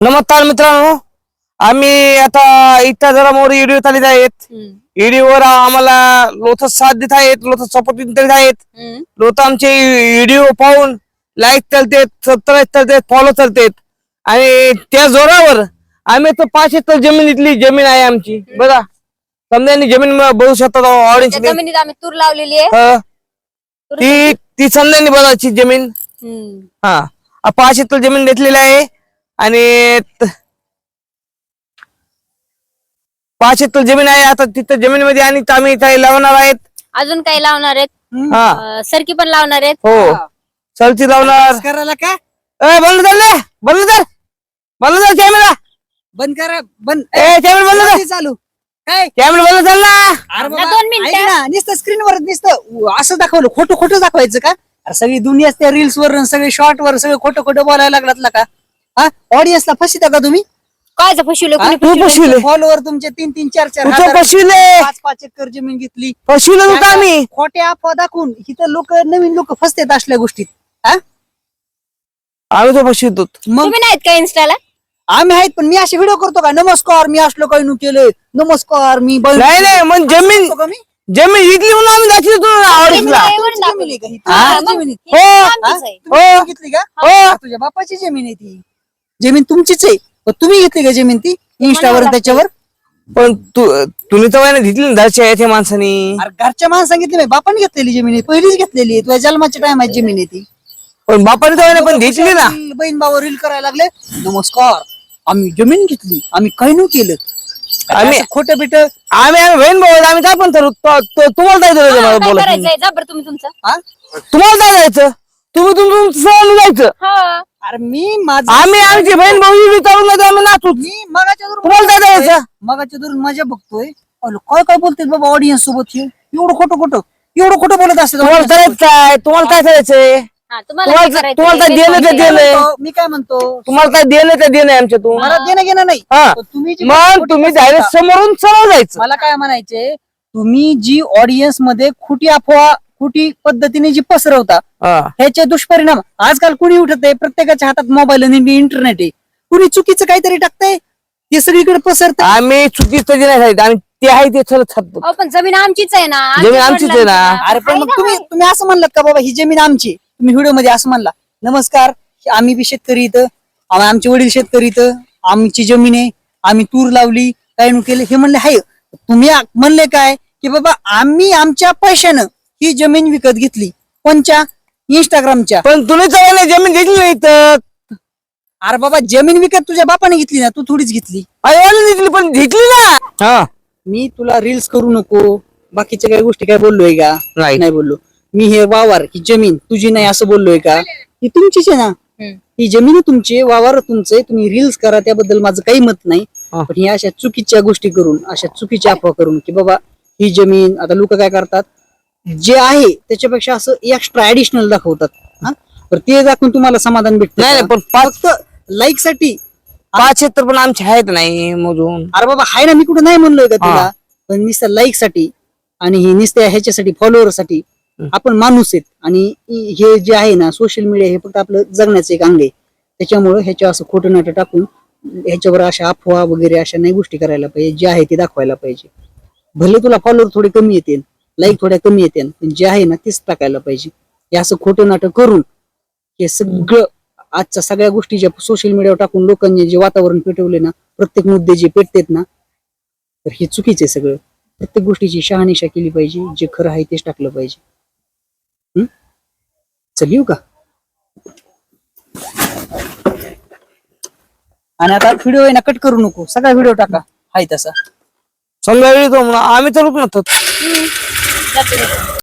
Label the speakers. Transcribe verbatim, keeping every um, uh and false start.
Speaker 1: नमस्कार मित्रांनो, आम्ही आता इथं जरा मोर व्हिडिओ चालत आहेत. व्हिडिओवर आम्हाला लोक साथ देत आहेत, लोक सपोर्ट देत आहेत. लोक आमचे व्हिडिओ पाहून लाईक करतात, सबस्क्राईब करतात, फॉलो करतात आणि त्या जोरावर आम्ही तर पाच एकर जमीन इथली जमीन आहे आमची. बघा समजा जमीन बघू शकता ऑडियन्स
Speaker 2: जमिनीत आम्ही तूर लावलेली आहे.
Speaker 1: हा ती ती समजा बघायची जमीन. हा पाच एकर जमीन घेतलेली आहे आणि पाच एकर जमीन आहे. आता तिथं जमीनमध्ये आणि आम्ही काही लावणार आहेत,
Speaker 2: अजून काही लावणार आहेत.
Speaker 1: हा
Speaker 2: अं, सरकी पण लावणार आहेत.
Speaker 1: हो सरची लावणार.
Speaker 3: करायला का
Speaker 1: ए बंद कर ले, बंद कर, बंद कर कॅमेरा,
Speaker 3: बंद करा बंद
Speaker 1: ए कॅमेरा बंद कर,
Speaker 3: चालू काय
Speaker 1: कॅमेरा बंद कर ना.
Speaker 3: अरे
Speaker 2: ना दोन मिनिटं.
Speaker 3: ऐक ना, नुसतं स्क्रीनवर नुसतं असं दाखवलं, खोटं खोटं दाखवायचं का? अरे सगळी दुनिया त्या रील्स वर सगळे शॉर्ट वर सगळे खोटं खोटं बोलायला लागलात का? हा ऑडियन्सला फसिता का तुम्ही?
Speaker 2: काय फसवलं
Speaker 3: हा?
Speaker 2: कोणी
Speaker 1: तू
Speaker 2: फसवलं?
Speaker 1: फसविले,
Speaker 3: फॉलोवर तुमचे तीन तीन चार चार
Speaker 1: तू
Speaker 3: हजार,
Speaker 1: फसविले,
Speaker 3: पाच पाच एकर जमीन घेतली.
Speaker 1: फसविले होतं आम्ही.
Speaker 3: खोट्या अफवा दाखवून इथं लोक नवीन लोक फसतात असल्या गोष्टीत. हा
Speaker 1: आम्ही तो फसवितो.
Speaker 3: मग
Speaker 2: तुम्ही नाहीत का इन्स्टाला?
Speaker 3: आम्ही आहेत, पण मी असे व्हिडिओ करतो का? नमस्कार मी असलो काही नु केलं, नमस्कार मी बहीण-
Speaker 1: नाही नाही मग जमीन
Speaker 3: करतो का मी?
Speaker 1: जमीन इथली म्हणून आम्ही दाखवतो ऑडियन्सला.
Speaker 2: जमीन
Speaker 3: तुमची
Speaker 2: दाखव.
Speaker 3: जमीन आहे का ही?
Speaker 2: हा,
Speaker 3: तुमची
Speaker 2: मग
Speaker 3: जमीन आहे.
Speaker 2: ही
Speaker 1: हो.
Speaker 2: आमचीच आहे.
Speaker 3: तुम्ही
Speaker 1: हो.
Speaker 3: घेतली का?
Speaker 1: हो
Speaker 3: हा, तुझ्या बापाची जमीन आहे ती. जमीन तुमचीच आहे, पण तुम्ही घेतली का जमीन ती इंस्टावर त्याच्यावर?
Speaker 1: पण तू तुम्ही तर वाय घेतली ना घरच्या आहे त्या माणसानी.
Speaker 3: अरे घरच्या माणसं सांगितले नाही, बापाने घेतलेली जमीन आहे, पहिलीच घेतलेली आहे. तुझ्या जन्माच्या टायमाची जमीन आहे ती.
Speaker 1: पण बापाने तर वाय पण घेतली ना.
Speaker 3: बहीण भाऊ रील करायला लागले, नमस्कार आम्ही जमीन घेतली, आम्ही काही नाही केलं.
Speaker 1: आम्ही-
Speaker 3: खोटं बिट
Speaker 1: आम्ही आम्ही बहीण भाऊ आहेत, आम्ही काय पण ठरवू. तो- तो- तुम्हाला काय
Speaker 2: हा,
Speaker 1: करायचं
Speaker 2: काय
Speaker 1: बोला.
Speaker 2: करायचंय जा बरं तुम्ही तुमचं.
Speaker 1: तुम्हाला काय जायचं, तुम्ही तुमचं सहल जायचं.
Speaker 2: हा.
Speaker 3: अरे मी माझं
Speaker 1: आम्ही आमची बहीण भाऊ चालून जायचं, आम्ही नाचू.
Speaker 3: मी मगाच्या धरून
Speaker 1: तुम्हाला काय जायचं.
Speaker 3: मगाच्या धरून मजा बघतोय. अरे काय काय बोलते बाबा ऑडियन्स सोबत हे? एवढं खोटं खोटं एवढं खोटं बोलत असते
Speaker 1: तुम्हाला करायचं काय, तुम्हाला काय करायचंय,
Speaker 2: हा, तुम्हाला काय
Speaker 1: तुम्हाला तुम्हाला काय
Speaker 2: करायचंय?
Speaker 1: देणं ते देणं,
Speaker 3: मी काय म्हणतो,
Speaker 1: तुम्हाला काय देणं ते देणं आमच्यातून.
Speaker 3: मला देणं घेणं नाही.
Speaker 1: हा
Speaker 3: पण तुम्ही जी
Speaker 1: मग
Speaker 3: खोटी
Speaker 1: तुम्ही
Speaker 3: पसरता-
Speaker 1: डायरेक्ट समोरून सरळ जायचं.
Speaker 3: मला काय म्हणायचे, तुम्ही जी ऑडियन्स मध्ये खोटी अफवा खोटी पद्धतीने जी पसरवता
Speaker 1: हा.
Speaker 3: ह्याचे दुष्परिणाम आजकाल कुणी उठत आहे, प्रत्येकाच्या हातात मोबाईल आणि इंटरनेट आहे. कुणी चुकीचं काहीतरी टाकतंय, ते सगळीकडे पसरत.
Speaker 1: आम्ही चुकीचं जे नाही सांगितलं, आम्ही ते आहे ते सरळ छापतो.
Speaker 2: अहो, पण जमीन आमचीच आहे ना.
Speaker 1: जमीन
Speaker 2: आमच्या
Speaker 1: आमचीच आहे ना.
Speaker 2: वडिलांची
Speaker 3: अरे पण
Speaker 2: आहे
Speaker 3: मग
Speaker 2: ना,
Speaker 3: तुम्ही
Speaker 2: आहे.
Speaker 3: तुम्ही असं म्हणलात का बाबा ही जमीन आमची? तुम्ही व्हिडिओ मध्ये असं म्हणला, नमस्कार आम्ही बी शेतकरी इथं, आम- आमचे वडील शेतकरी इथं, आमची जमीन आहे, आम्ही तूर लावली, काय नु केलं हे म्हणले आहे. तुम्ही आ- म्हणले काय की बाबा आम्ही आमच्या पैशानं ही जमीन विकत घेतली, कोणच्या? इंस्टाग्रामच्या.
Speaker 1: पण तुम्ही तर जमीन घेतली नाही तर
Speaker 3: अरे बाबा जमीन विकत तुझ्या बापाने घेतली ना, तू थोडीच घेतली.
Speaker 1: आईवाने घेतली, पण घेतली ना. हा
Speaker 3: मी तुला रील्स करू नको बाकीच्या काही गोष्टी काय बोललोय का?
Speaker 1: नाही.
Speaker 3: नाही बोललो. मी हे वावर ही जमीन तुझी नाही असं बोललोय का? ही तुमचीच आहे ना.
Speaker 2: हम्म.
Speaker 3: ही जमीन तुमची, वावर तुमचे, तुम्ही रील्स करा त्याबद्दल माझं काही मत नाही.
Speaker 1: हा.
Speaker 3: पण ही अशा चुकीच्या गोष्टी करून, अशा चुकीच्या अफवा करून की बाबा ही जमीन, आता लोक काय करतात, जे आहे त्याच्यापेक्षा असं एक्स्ट्रा ऍडिशनल दाखवतात. हा? तर ते दाखवून तुम्हाला समाधान भेटत
Speaker 1: नाही, नाही, पण पाच
Speaker 3: फक्त लाईक साठी.
Speaker 1: पाच क्षेत्र पण आमचे आहेत नाही मोजून.
Speaker 3: अरे बाबा हाय ना, मी कुठं नाही म्हणलोय का तुला,
Speaker 1: हा.
Speaker 3: पण नुसत्या लाईक साठी आणि ही नुसत्या ह्याच्यासाठी फॉलोअर साठी आपण माणूस आहेत. आणि हे जे आहे ना सोशल मीडिया, हे फक्त आपलं जगण्याचं एक अंग आहे. त्याच्यामुळे ह्याच्या असं खोटं नाटं टाकून ह्याच्यावर अशा अफवा वगैरे अशा नाही गोष्टी करायला पाहिजे. जे आहे ते दाखवायला पाहिजे. भले तुला फॉलोअर थोडे कमी येतील, लाईक थोड्या कमी येतील, पण जे आहे ना तेच टाकायला पाहिजे. हे असं खोटं नाटक करून हे सगळं आजच्या सगळ्या गोष्टी ज्या सोशल मीडियावर टाकून लोकांनी जे वातावरण पेटवले ना, प्रत्येक मुद्दे जे पेटतेत ना, तर हे चुकीचं आहे सगळं. प्रत्येक गोष्टीची शहानिशा केली पाहिजे, जे खरं आहे तेच टाकलं पाहिजे. हम्म चल येऊ का? आणि आता व्हिडिओ आहे ना कट करू नको, सगळा व्हिडिओ टाका हाय तसा.
Speaker 1: समजा वेळी तो आम्ही चालूच नसतो.
Speaker 2: हम्म. जातो मी.